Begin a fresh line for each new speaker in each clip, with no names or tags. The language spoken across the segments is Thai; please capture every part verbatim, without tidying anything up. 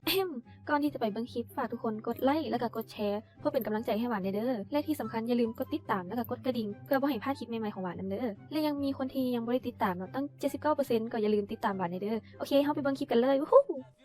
ก่อนที่จะไปเบิ่งคลิปฝากทุกคนกดไลค์แล้วก็กดแชร์เพื่อเป็นกำลังใจให้หวานเด้อและที่สำคัญอย่าลืมกดติดตามแล้วก็กดกระดิ่งเพื่อบ่ให้พลาดคลิปใหม่ๆของหวานนำเด้อและยังมีคนที่ยังบ่ได้ติดตามเนาะตั้ง เจ็ดสิบเก้าเปอร์เซ็นต์ ก็อย่าลืมติดตามหวานเด้อโอเคเฮาไปเบิ่งคลิปกันเลยวู้ฮู้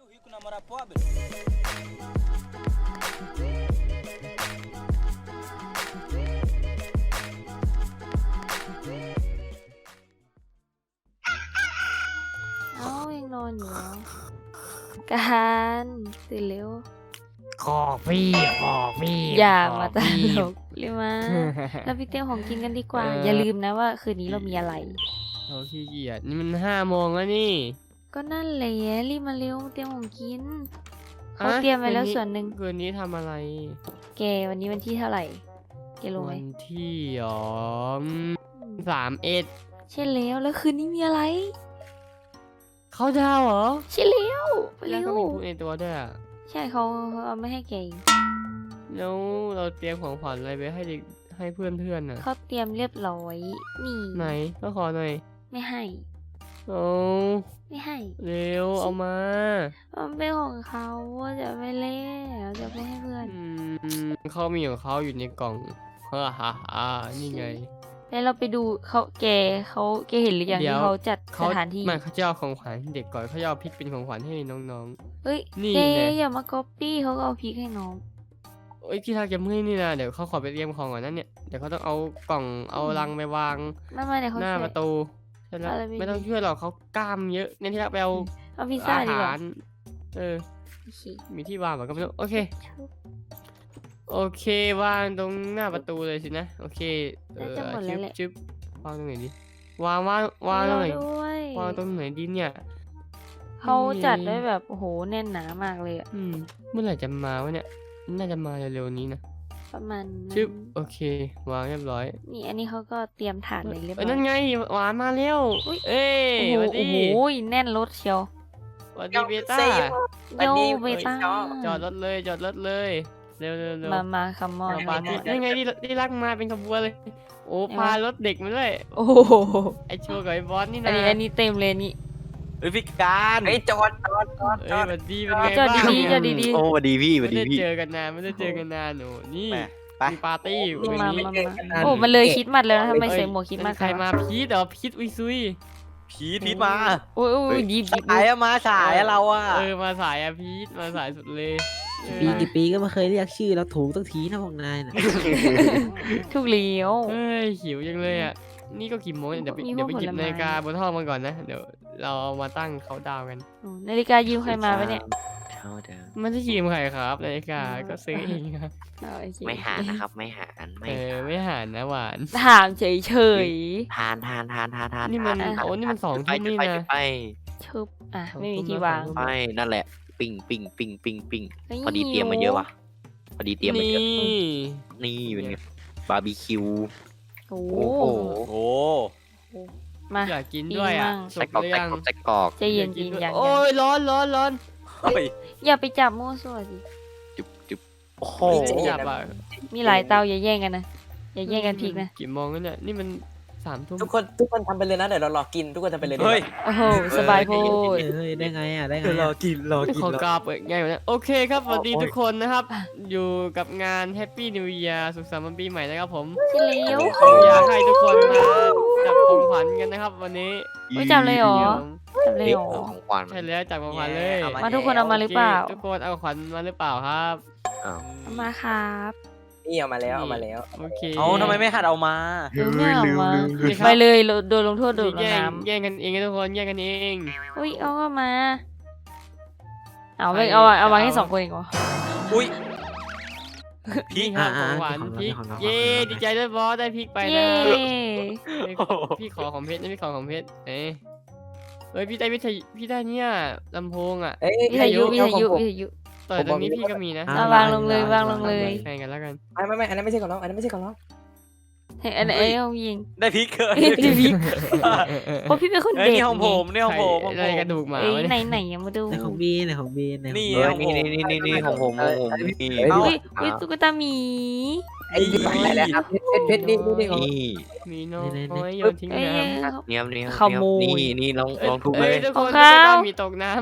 เอ้ายังนอนอยู่เหรอการตื่นเร็ว
ขอพี่ขอพี่
อย่ามาตลกเลยมาแล้วพี่เตี้ยของกินกันดีกว่าอย่าลืมนะว่าคืนนี้เรามีอะไร
เราขี้เกียจนี่มันห้าโมงแล้วนี่
ก็นั่นแหละรีบมาเร็วเตรียมของกินเขาเตรียมไว้แล้วส่วนหนึ่ง
คืนนี้ทำอะไร
แกวันนี้วันที่เท่าไหร่แกรู้ไหม
วันที่สองสามเอ็ด
ใช่แล้วแล้วคืนนี้มีอะไร
เขาดาวเหรอ
ใช่แล้วไปเร็ว
แล้วก็มีพูดในตัวด้วยอ่ะ
ใช่เขาเอาไม่ให้แก
แล้วเราเตรียมของขวัญอะไรไปให้เด็กให้เพื่อนเพื่อนน่ะ
เขาเตรียมเรียบร้อยนี่
ไหนก็ขอหน่อย
ไม่ให้
โอ้
ไม่ให้
เร็วเอามา
มันเป็นของเขาจะไม่เล่จะไม่ให้เพื่อน
อืมเขามีของเขาอยู่ในกล่องฮ่าฮ่าฮ่านี่ไง
แล้วเราไปดูเขาแกเขาแกเห็นหรือยังที่เขาจัดสถานที่
มันเขาจะเอาของขวัญให้เด็กก่อนเขาจะเอาพริกเป็นของขวัญให้น้อง
ๆเฮ้ยแกอย่ามาก๊อปปี้เขาก็เอาพริกให้น้อง
เอ้ยที่ทักจะเมื่อยนี่นะเดี๋ยวเขาขอไปเตรียมของก่อนนั่นเนี่ยเดี๋ยวเขาต้องเอากล่องเอาลังไปวางหน้าประตูใช่แล้วไม่ต้องช่วยหรอกเขากล้ามเยอะเนี่ยที่ทักไปเอา
เอาพิซซ่าดีกว่า
เออมีที่วางเหมือนกันไม่รู้โอเคโอเควางตรงหน้าประตูเลยสินะโอเคเออจึ๊บจึ๊บวางตรงไหนดีวางวางวางตรงไหนวางตรงไหนดีเนี่ย
เขาจัดได้แบบโอ้โหแน่นหนามากเลยอ่ะ
อืมเมื่อไหร่จะมาวะเนี่ยน่าจะมาเร็วๆนี้นะ
ประมาณ
จึ๊บโอเควางเรียบร้อย
นี่อันนี้เขาก็เตรียมถาดเลยเรียบร้อย
นั่นไงหวานมาเร็วเอ้ย
โอ้โหแน่นรถเชียว
สวัสดีเบต้า
โยเบต้า
จอดรถเลยจอดรถเลยเร็วเร็ว
มามาคัมมอน
มานี่ไงที่ที่รักมาเป็นขบวนเลยโอ้พารถเด็กมาด้วย
โอ้
ไอโชว์กับไอบอสนี่นะ
อันนี้อันนี้เต็มเลยนี่
เฮ้ยพี่การ
ไอ้จอดจอดจอด
จอดดีเป็นไงบ้าง
จอดดีๆจอดดี
ๆโอ้สวัสดีพี่สวัสดีพี่
ไม่ได้เจอกันนานไม่ได้เจอกันนานหนูนี่มีปาร์ตี้
วันนี้โอ้มันเลยคิดมัดแล้วนะทำไมใส่หมวกคิดมัด
ใครมาพีทเหรอพีทอุยซุย
พีทพีทมา
โอ้ยดีดี
สายมาสายเราอ่ะ
เออมาสายอะพีทมาสายสุดเลย
ปีกี่ปีก็ไม่เคยเรียกชื่อแล้วถูกตั้งทีนะพวกนายนะ
ถูกเลี้ยว
เฮ้ยหิวจังเลยอ่ะนี่ก็กี่โมงเดี๋ยวเดี๋ยวไปหยิบนาฬิกาบนห้องมันก่อนนะเดี๋ยวเราเอามาตั้งเขาดาวกัน
นาฬิกายืมใครมาปะเนี่ย
มันจะยืมใครครับนาฬิกาก็ซื้อเองครับ
ไม่หานะครับไม่หา
เออไม่หานะหวาน
ถามเฉยเฉย
ทานทานทานทานทาน
นี่มันโอ้นี่มันสองทุ่มนี่นะ
ไป
ชุบอ่ะไม่มีที่วาง
ไปนั่นแหละปิ้งปิ้งปิ้งปิ้งปิ้งพอดีเตรียมมาเยอะว่ะพอดีเตรียมมาเยอะนี่เป็นไงบาร์บีคิว
โอ้
โห
มา
อยากกินด้วยอ่ะ
ใส่กรอกใส่กรอกใส่กรอก
ใจเย็นกินอย่าง
โอ้ยร้อนร้อนร้อน
อย่าไปจับมั่วซั่วสิ
จุ๊บจุ๊บโอ้โห
จับอ่ะ
มีหลายเตาอย่าแย่งกันนะอย่าแย่งกันพริกนะ
กี่โมงแล้วเนี่ยนี่มันสามทุ่ม
ทุกคนทุกคนทำไปเลยนะเดี๋ยวเรารอกินทุกคนทำไปเลยเฮ้ย
โอ้โหสบายโพด
เฮ้ยได้ไงอ่ะได้ไง
รอกินรอกิน
ขอกราบเปิดง่ายกว่านั้นโอเคครับสวัสดีทุกคนนะครับอยู่กับงาน Happy New Year สุขสันต์วันปีใหม่นะครับผม
เลี้ยว
อยากให้ทุกคนมาจับของขวัญกันนะครับวันนี้
ไม่จับเลยหรอจับเลยหรอ
ของขวัญ
ใช่แล้วจับของขวัญเลย
มาทุกคนเอามาหรือเปล่า
ทุกคนเอาของขวัญมาหรือเปล่าครับ
เอามาครับ
นี่เอามาแล้วเอามาแล้ว
โอเค
เอาทำไมไม่หัดเอามา
ไม่เอามาไปเลยโดนลงโทษโดนน้
ำแย่งกันเองทุกคนแย่งกันเอง
อุ้ยเอาก็มาเอาไปเอาเอาวางให้สองคนเองเหรอ
อุ้ย
พริกของหวานพริกเย้ดีใจด้วยบอสได้พริกไปนะพี่ขอของเพชรนะพี่ขอของเพชรเอ้เฮ้ยพี่ได้พี่พี่ได้เนี่ยลำโพงอ่ะ
วิทยุวิทยุวิทยุ
ต่อตรงนี้พี่ก็มีนะ
วางลงเลยวางลงเลย
แข่งกันแล้วกัน
ไม่ไม่ไม่อันนั้นไม่ใช่ของเราอันนั้นไม่ใช่ของเรา
เฮ้ยอันนี้เอายิง
ได้พริกเกิน
ได้พริกเพราะพี่เป็นคนเด็ก
นี่ของผมนี่ของผม
อะไรกระดูกหมา
ไหนไหนยังมาดู
ในของบีในของบีใน
นี่นี่นี่นี่นี่ของผมของผมนี่
เฮ้ยเฮ้ยตุ๊กตาหมี
ไอ้นี่อะไรครับเพชรเพชรนี่นี่ของ
นี่
มีน้อยโยนทิ้งน้ำ
เนี่ยนี่ขโมยนี่นี่ลองลองทุบเลย
ของเขามีตกน้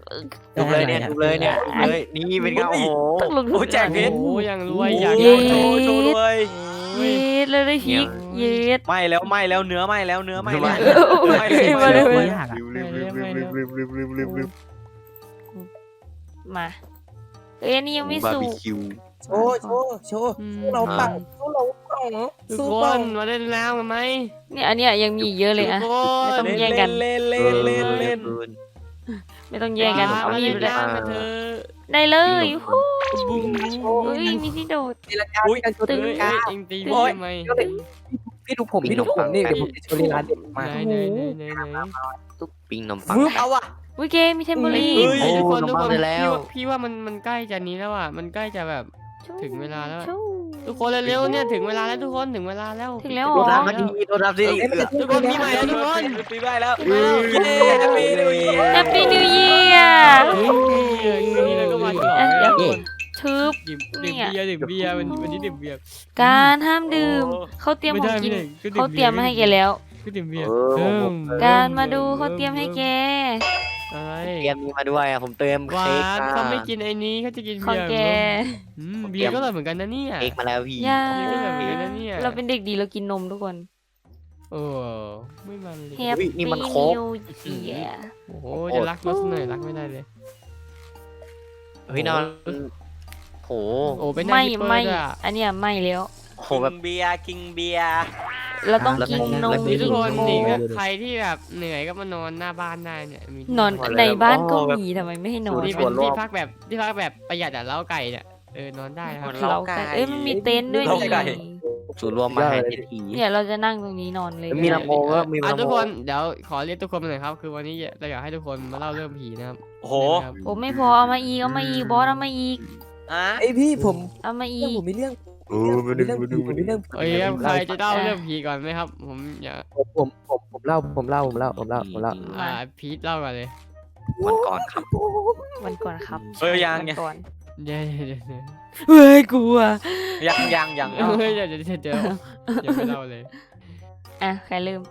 ถูกเลยเนี่ยถูกเลยเนี่ยถูกเลยนี่เป็นไงโอ้โห
ต้องลงทุน
โอ้แจกเพชร
โอ้ยังรวยอยาก
เย้
โชว์โชว์ด้วย
เย็ดเลยได้ชิกเย็ด
ไหม่แล้วไหม่แล้วเนื้อไหม่แล้วเนื้อไหม่แล้ว
เออเออ
ไหม้
เออ
ไหม้
มาเลย
ไหม้
มาเลย
ยากอ่ะ
มาเอ้ยอันนี่ยังไม่
บาร์
สุ
บี
ก
คิว
โชว์โชว์โชว์
อืม
เราปังเราปัง
ทุก
สู้
ค
ปั
น
ง
มาเล่นแล้วกันไหม
เนี่ยอันเนี้ยยังมีอีกเยอะเลยอะ
ทุกค
ไม่ต้
น
องแย่งกัน
เล่นเล่นเล่นเล่น
ไม่ต้องแย่งกัน
มา
เอามี
เล่
ด
น
ไปเลย
น้ำกันเถอะ
ได้เลยฮู้
บุ้ม
เฮ้ยมีที่โดด
ตีลังกาตีกันโชว์
ตึ
ตี
ง
ลัง
เอ้
กาย
เอ็งตี
โอ๊
พี่
ย
ทำไม
พี่ดูผมพี่ดูผมนี่เดี๋ยวผมจะโชว์ลีลาเด็ดมา
ไหนไหนไหนไหนไหน
ปิ้งนมปัง
ฟึบเอาอะ
วิเกมมีเทมโบลีน
เฮ้ยทุกคน
โอ้
ทุกคน
น้ำมันไปแล้ว
พี่ว่าพี่ว่ามันมันใกล้จะนี้แล้วอ่ะมันใกล้จะแบบ ถึงเวลาแล้ว
ชู้
ทุกคนเร็วๆเนี่ยถึงเวลาแล้วทุกคนถึงเวลาแล้ว
ถึงแล้วเหร
โด
อ
นรับมาดีโดนรับสิ
ทุกคนมีใหม่แล้วทุกคน
ปีใหม่แล้ว
เย้
แฮปปี้นิวเยียร์
แฮปปี้นิวเยียร์
นี่เราก็มาฉลอง
อ่ะ
แล้ว
เดี๋ยว
ทุกคน
ทึบ
ดื่มดื่มเบียร์ดื่มเบียร์วันวันนี้ดื่มเบียร์
การห้ามดื่มเขาเตรียมของกิน เขาเตรียมมาให้แกแล้ว
ก็ดื่มเบียร์
เออ
เพิ่ม
การมาดูเขาเตรียมให้แก
อะไร
เตรียมนี้มาด้วยอ่ะผมเตรียม
หวา
เค้ก
น
มา
เขาไม่กินไอ้นี้เขาจะกิน
ของ
เบียร์
แก
อืมเบียร์ก็อร่อยเหมือนกันนะเนี่ย
เค้กมาแล้วพี่
อย่า
เบียร์ก็อร่อยเหมือนกันนะเนี่ย
เราเป็นเด็กดีเรากินนมทุกคน
โอ้ไม่มันเลย
แฮป
อุ๊ย
ปี้
นี่มัน
นิ
โค้ก
วเยียร์
โอ้โหจะรักรถหน่อยรักไม่ได้เลย
เฮ้ยนอนโห
โอ้เป็นหน้า
ไม่
ฮิปเปอ
ไม่
ร์ด้วยอะ
อันเนี้ยไม่แล้ว
โหแบบเบียร์กิงเบียร์
เราต้อง
แล้ว
กินนม
แล้ว
นี่ทุกคน
โค้
นี่
ก
ก็ใครที่แบบเหนื่อยก็มานอนหน้าบ้านได้เนี่ยมีที่
นอน
พอแล้ว
ในบ้านก็
อ๋อแบบ
มีทำไมไม่ให้นอน
ที่
ส่
เป็
วน นรวม
ที่พักแบบที่พักแบบประหยัดอะเล้าไก่เนี่ยเออนอนได้นะครับ
เราไก่เอ้ยมันมีเต็นท์ด้วย
เรา
นี่
ไก่ ศูนย์รวมมาให้ทีที
เนี่ยเราจะนั่งตรงนี้นอนเลย
มีลำโพงก็มี
อ่ะ
ลำโพง
ทุกคนเดี๋ยวขอเรียกทุกคนมาหน่อยครับ คือวันนี้เราอยากให้ทุกคนมาเล่าเรื่องผีนะครับ
โอ้โห
นะครับ
โอ้ไม่พอเอามาอีกเอามาอีกบอสเอามาอีก
อ่ะ
ไอพี่ผม
เอามาอี
เรื่อง
ก
ผมมีเรื่องมีเรื่องผีผมมีเรื่องผี
โอ้ยครับใครจะเล่าเรื่องผีก่อนไหมครับ ผมอยาก
ผมผมผมผมเล่าผมเล่าผมเล่าผมเล่าผมเล่า
อ่าพีทเล่าก่อนเลย
วันก่อนครับ
วันก่อนครับ
เอ้ยยัง
วัน
ยัง
ก่อน
เดี๋ยวเดี๋ยวเดี๋ยว
เฮ้ยกลัว
ยังยังยัง
เฮ้ยเดี๋ยวเดี๋ยวเดี๋ยวเดี๋ยวยังไม่เล่าเลย
อ่ะใครเริ่ม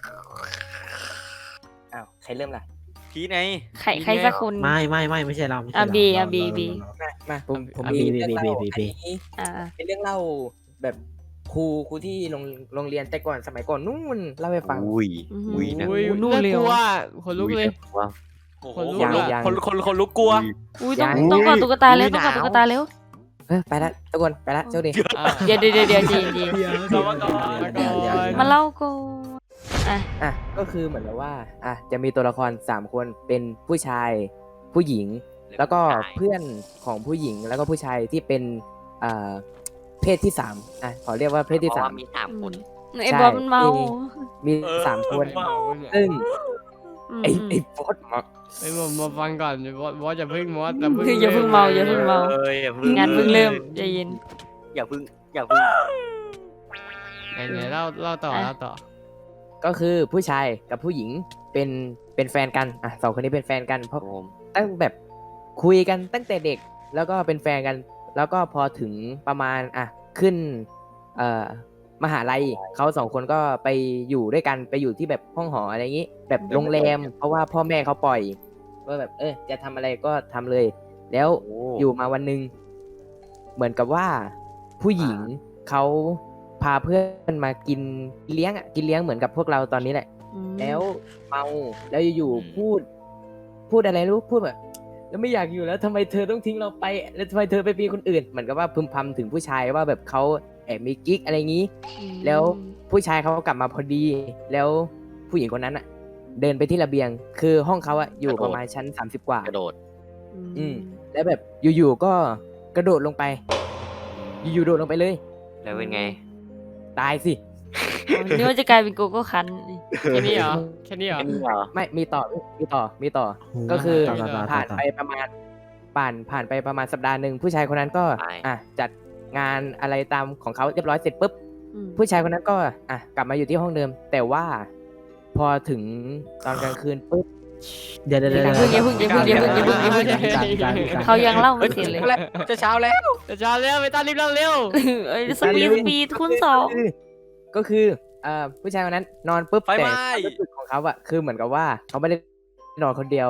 อ้าวใครเริ่มล่ะ
พีไหน
ใครใครสักคน
ไม่ไม่ไม่ไม่ใช่เราไม่ใช่
อ่ะ
เรา
บีอ่ะ
เรา
บี
เรา
บี
เรา
มามาผมผม
อ่ะ
มี
บี
เรื่อง
บี
เล่า
บีบี
อันนี้
อ่า
เป็นเรื่องเล่าแบบครูครูที่โรงโรงเรียนแต่ก่อนสมัยก่อนนู่นเล่าให้ฟัง
อุ้ยอุ้ยนะ
อุ้ย
นู่น
น่า
เลย
ก
เหร
ลัว
อ
ขนลุกเลย
ว่า
คนลุก
ยัง
อะ
ยัง
คนคนคนลุกกลัว
อุ้ยต้อง
ยัง
ต้องกอดตุ๊กตาเร็ว
อุ๊ย
ต้องกอด
หนาว
ตุ๊กตาเร็ว
เออไปละทุกคนไปละโชคดี
อ่ะ
เดี๋ยวเดี๋ยวเดี๋ยวเดี๋ยวจริงจริง
เรามาก่อน
มาก่อน
มาเล่าก่อนอ่ะ
อ่ะก็คือเหมือนกับว่าอ่ะจะมีตัวละครสามคนเป็นผู้ชาย ผู้หญิง แล้วก็เพื่อนของผู้หญิงแล้วก็ผู้ชายที่เป็นอ่าเพศที่สามอ่ะขอเรียกว่าเพศที่
เพ
สา
ราะ
ม
ว่ามีสามคน
ไอ้บอสมันเมา
มีสามคน
เมาเนี่ย
ซึ่ง
อืม
ไอ้ไอ้บอสมา
ไอ้ยผมมาฟังก่อนบอสบอสอย่าเพิ่งมอสอย่าเพิ่ง
คืออย่าเพิ่งเมาอย่าเพิ่งเมา
เอ้ยอย่าเพิ่ง
งานเพิ่งเริ่มใจเย็น
อย่าเพิ่งอย่าเพิ่ง
ไหนไหนเล่าเล่าต่อ
อ่ะ
เล่าต่อ
ก็คือผู้ชายกับผู้หญิงเป็นเป็นแฟนกันอ่ะสองคนนี้เป็นแฟนกันเพราะ
ผม
ตั้งแบบคุยกันตั้งแต่เด็กแล้วก็เป็นแฟนกัน แล้วก็พอถึงประมาณอ่ะขึ้นเอ่อมหาลัยเขาสองคนก็ไปอยู่ด้วยกันไปอยู่ที่แบบห้องหออะไรอย่างนี้ แบบโรงแรม เพราะว่าพ่อแม่เขาปล่อยว่าแบบเออจะทำอะไรก็ทำเลย แล้ว
โอ้
อยู่มาวันหนึ่งเหมือนกับว่าผู้หญิงเขาพาเพื่อนมากินเลี้ยงอ่ะกินเลี้ยงเหมือนกับพวกเราตอนนี้แหละ
อืม
แล้วเมาแล้วอยู่ๆพูด พูดอะไรรู้พูดแบบแล้วไม่อยากอยู่แล้วทำไมเธอต้องทิ้งเราไปแล้วทำไมเธอไปมีคนอื่นเหมือนกับว่าพึมพำถึงผู้ชายว่าแบบเขาแอบมีกิ๊กอะไรอย่างนี้ แล้วผู้ชายเขาก็กลับมาพอดี แล้วผู้หญิงคนนั้นอ่ะ เดินไปที่ระเบียง คือห้องเขาอะอยู่ประมาณชั้นสามสิบกว่า
กระโดด
อืม แล้วแบบอยู่ๆก็กระโดดลงไป อยู่ๆโดดลงไปเลย
แล้วเป็นไง
ตายสิ
อ๋อนี่ว่าจะกลายเป็นโกโก้คัน
แค่นี้เหรอแค่นี้เหรอ
แค่นี้เหรอ
ไม่มีต่อมีต่อมีต่อ ก็คือ
ต่อต่อต่อ
ผ่านไปประมาณผ่านผ่านไปประมาณสัปดาห์หนึ่งผู้ชายคนนั้นก็อ่ะจัดงานอะไรตามของเขาเรียบร้อยเสร็จปุ๊บ
อืม
ผู้ชายคนนั้นก็อ่ะกลับมาอยู่ที่ห้องเดิม แต่ว่าพอถึงตอนกลางคืนปุ๊บ
เดี๋ยวเดี๋ยวเดี๋ยว
อย่าเพิ่งอย่าเพิ่งอย่าเพิ่งอย่าเพิ่งอย่าเพิ่งอย่าเพิ่ง
มีการมีการมีการ
เขายังเล่าไม่เสร็จเลย
จะเช้าแล้ว
จะช้าแล้วไปต้านรีบเล่าเร็ว
เอ้ยสปีดสปีดคูณสอง
ก็คือเอ่อผู้ชายคนนั้นนอนปุ๊บ
ไฟไหม้
แต่ความรู้สึกของเขาอะคือเหมือนกับว่าเขาไม่ได้นอนคนเดียว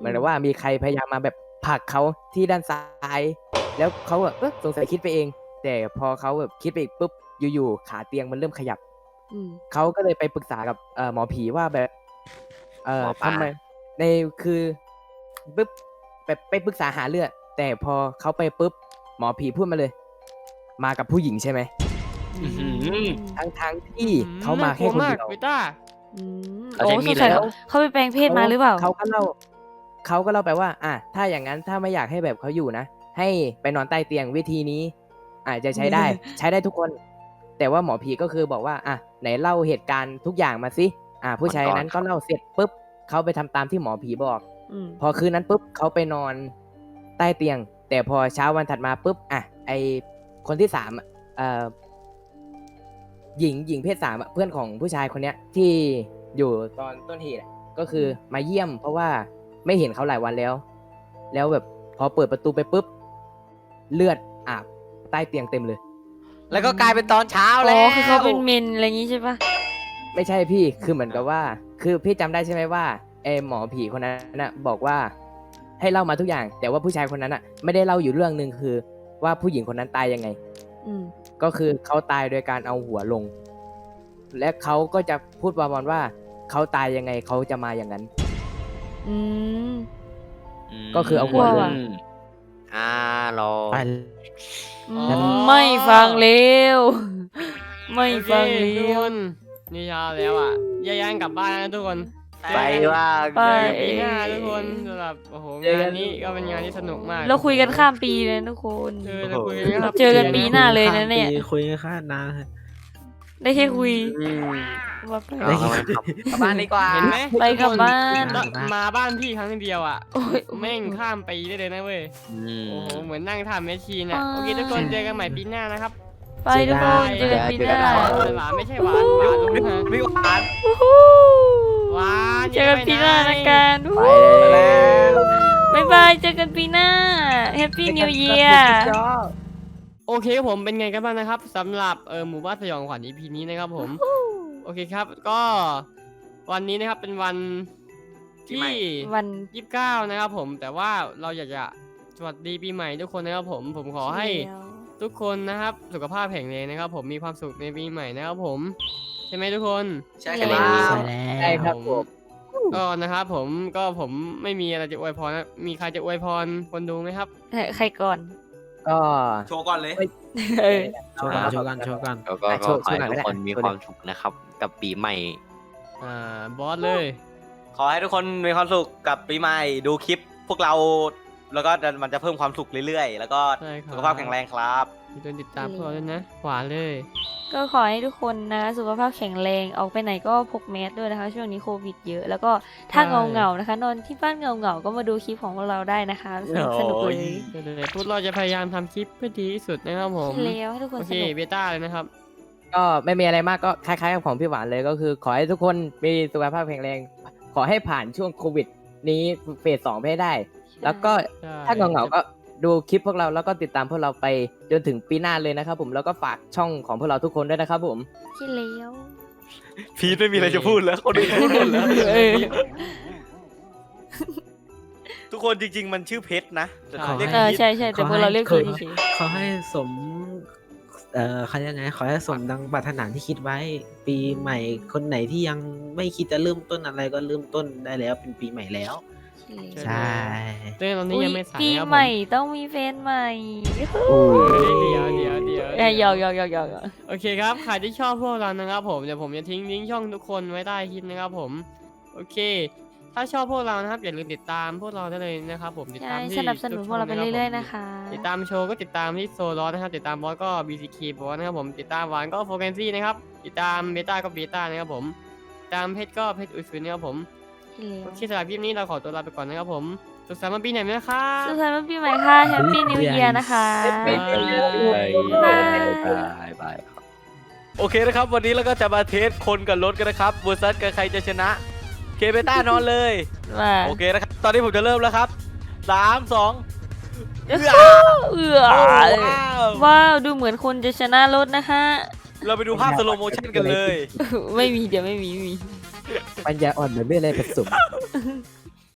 เหมือนกับว่ามีใครพยายามมาแบบผลักเขาที่ด้านซ้าย แล้วเขาแบบเออสงสัยคิดไปเอง แต่พอเขาแบบคิดไปอีกปุ๊บอยู่ๆขาเตียงมันเริ่มขยับ
อืม
เขาก็เลยไปปรึกษากับเอ่อหมอผีว่าแบบเอ่อ
หมอปลา
ทำไมในคือปุ๊บไปไปปรึกษาหาเรื่องแต่พอเขาไปปุ๊บหมอผีพูดมาเลย มากับผู้หญิงใช่ไหม
อื้อหือ
ทั้งทางๆที่เขามาแค่คน
น่กลัว
เดียว
เบต้า
อืม
เขา
โอ้
ใช้มี
ส
ด
งสัย
เลยเหร
เขา
อ
เขาไปแปลงเพศมาหรือเปล่า
เขาก็เล่าเขาก็เล่าไปว่า อ่ะถ้าอย่างนั้นถ้าไม่อยากให้แบบเขาอยู่นะ ให้ไปนอนใต้เตียงวิธีนี้ อาจจะใช้ได้ ใช้ได้ทุกคน แต่ว่าหมอผีก็คือบอกว่า อ่ะไหนเล่าเหตุการณ์ทุกอย่างมาสิอ่ะผู้ชายนั้นก็เล่าเสร็จปุ๊บเขาไปทำตามที่หมอผีบอก
อืม
พอคืนนั้นปุ๊บเขาไปนอนใต้เตียง แต่พอเช้าวันถัดมาปุ๊บอ่ะไอคนที่สามอ่ะเอ่อหญิงหญิงเพศสามอ่ะเพื่อนของผู้ชายคนเนี้ยที่อยู่ตอนต้นเหตุอะก็คือมาเยี่ยม เพราะว่าไม่เห็นเขาหลายวันแล้ว แล้วแบบพอเปิดประตูไปปุ๊บเลือดอาบใต้เตียงเต็มเลย
แล้วก็กลายเป็นตอนเช้า
อ๋
แล้ว
อคือเขาเป็นเมนอะไรอย่างงี้ใช่ปะ
ไม่ใช่พี่คือเหมือนกับว่า คือพี่จำได้ใช่ไหมว่าไอหมอผีคนนั้นน่ะบอกว่าให้เล่ามาทุกอย่าง แต่ว่าผู้ชายคนนั้นอ่ะไม่ได้เล่าอยู่เรื่องหนึ่งคือ ว่าผู้หญิงคนนั้นตายยังไง
อืม
ก็คือเขาตายโดยการเอาหัวลง และเขาก็จะพูดประมาณว่าเขาตายยังไงเขาจะมาอย่างนั้น
อืม
ก็คือเอาหัว
กลั
ล
วว่ะ
ง
อ่ารอ
ไป
อื
อ๋อ
มไม่ฟังเร็ว ไม่
โอเค
ฟัง
ทุก
เร็
คว นนี่เช้าแล้วอ่ะแยกย้ายกลับบ้านนะทุกคน
ไปว่า
ไป
เจอกันปีหน้าทุกคนสำหรับโอ้โหงานนี้ก็เป็นงานที่สนุกมาก
เราคุยกันข้ามปีเลยทุกคน
เออเราคุยกันครับ
เจอกันปีหน้าเลยนะเนี่ย
คุยกันข้ามนาน
ได้แค่คุย
อืม
ว่าไป
เอาเอากลับบ้านดีกว่า
เห็นไหม
ไปกลับบ้าน
ทุกคมาบ้านพี่ครั้งเดียวอ่ะ
โอ้ย
แม่งข้ามปีได้เลยนะเว้ย
อืม
โอ้โหเหมือนนั่งทำแมชชีนอ่ะ
อ่า
โอเคทุกคนเจอกันใหม่ปีหน้านะครับ
ไปทุกคนเจอกันปีหน้า
หวานไม่ใช่หวานหวานลุงฮะ
ไม่หวาน
วู้ฮู้
หวาน
เจอกันปีหน้านะกันวู้
ไปแล้ว
บ๊ายบายเจอกันปีหน้า Happy New Year
โอเคครับผมเป็นไงกันบ้างนะครับสำหรับเออหมู่บ้านสยองขวัญ อี พี นี้นะครับผมโอเคครับก็วันนี้นะครับเป็นวันที่
วัน
ยี่สิบเก้านะครับผมแต่ว่าเราอยากจะสวัสดีปีใหม่ทุกคนนะครับผมผมขอให้
เดียว
ทุกคนนะครับสุขภาพแข็งแรงนะครับ ผมมีความสุขในปีใหม่นะครับผมใช่ไหมทุกคน
ใช่
ใช่
ค
แล้
รับ
ว
ใช่ครับผม
ก็นะครับผมก็ผมไม่มีอะไรจะอวยพรนะมีใครจะอวยพรคนดูไหมครับ
เฮ้ยใครก่อน
ก็
โชว์ก่อนเลย
เออ
โชว์กันโชว์กันโชว์กัน
แล้วก็
อ่ะ
ก็
โชว์
ขอให้
โชว์หน่อย
ทุกคน
ก็ได้
มีความสุขนะครับ กับปีใหม่
อ่าบอสเลย
ขอให้ทุกคนมีความสุขกับปีใหม่ดูคลิปพวกเรา แล้วก็มันจะเพิ่มความสุขเรื่อยๆ แล้วก็
ใช่ครับ
สุขภาพแข็งแรงครับ
มีตัวติดตามพวกเราด้วยนะหวานเลย
ก็ขอให้ทุกคนนะสุขภาพแข็งแรงออกไปไหนก็พกแมสด้วยนะคะ ช่วงนี้โควิดเยอะ แล้วก็ถ้า
ใช่
เงาเงาๆนะคะ นอนที่บ้านเงาเงาๆก็มาดูคลิปของพวกเราได้นะคะสนุกสนุกเลย
เดี๋ยวๆพวกเราจะพยายามทำคลิปให้ดีที่สุดนะครับผม
แล้วให้ทุกคน
โอ
ส
เค
นุก
เบต้าเลยนะครับ
ก็ไม่มีอะไรมากก็คล้ายๆกับของพี่หวานเลยก็คือ ขอให้ทุกคนมีสุขภาพแข็งแรง ขอให้ผ่านช่วงโควิด นี้เฟสสองไปให้ได้ แล้วก็
ใช่
ถ้าเหงาๆก็ดูคลิปพวกเราแล้วก็ติดตามพวกเราไปจนถึงปีหน้าเลยนะครับผมแล้วก็ฝากช่องของพวกเราทุกคนด้วยนะครับผม
ที่แล้ว
พีทไม่มีอะไรจะพูดแล้วคนอื่นพูดหมดแล้ว
เออ
ทุกคนจริง ๆ มันชื่อเพชรนะแต่
ใช่
เรียก
เออ
พีท
ใช่ใช่แต่พวกเราเรียก
ขอ
พี
ให้
เฉย
ขอให้สม เอ่อเขายังไง ขอให้สมดังปรารถนาที่คิดไว้ ปีใหม่คนไหนที่ยังไม่คิดจะเริ่มต้นอะไรก็เริ่มต้นได้แล้วเป็นปีใหม่แล้ว
ๆ
ใช่
เรื่องตอนนี้
อุ๊ย
ยังไม่สาย
ปี
นะครับ
ให
ผ
ม่
ม
ต้องมีแฟนใหม่
เดี๋ยวเดี๋ยวเดี๋ยว
เอ้ยหยอกหยอกหยอกหยอกหยอก
โอเคครับใครที่ชอบพวกเรานะครับผมเดี๋ยวผมจะทิ้งลิงก์ช่องทุกคนไว้ใต้คลิปนะครับผมโอเค ถ้าชอบพวกเรานะครับอย่าลืมติดตามพวกเราได้เลยนะครับผมติด
ใช่
ตามที่
สนับสนุนพวกเราไปเรื่อยๆนะคะ
ติดตามโชว์ก็ติดตามที่โซลอสนะครับติดตามบอสก็ บี ซี เค บอสนะครับผมติดตามหวานก็โฟแกนซี่นะครับติดตามเบต้าก็เบต้านะครับผมติดตามเพชรก็เพชรอุยซุนนะครับผมโอเคสำหรับคลิปนี้เราขอตัวลาไปก่อนนะครับผมสุขสันต์วันปีใหม่นะครับ
สุขสันต์วันปีใหม่ค่ะ Happy New Year นะคะ
บายบายบายบายครับ
โอเคนะครับ วันนี้เราก็จะมาเทสคนกับรถกันนะครับเวอร์ซัสกับใครจะชนะ เคเบต้านอนเลย
มา
โอเคนะครับ ตอนนี้ผมจะเริ่มแล้วครับสามสอง
เอื้อเอื้อ
ว้าว
ว้าว ดูเหมือนคนจะชนะรถนะคะ
เราไปดูภาพสโลโมชั่นกันเลย
ไม่มีเดี๋ยวไม่มีไม่มี
ปัญญาอ่อนเหมือนไม่อะไรผสม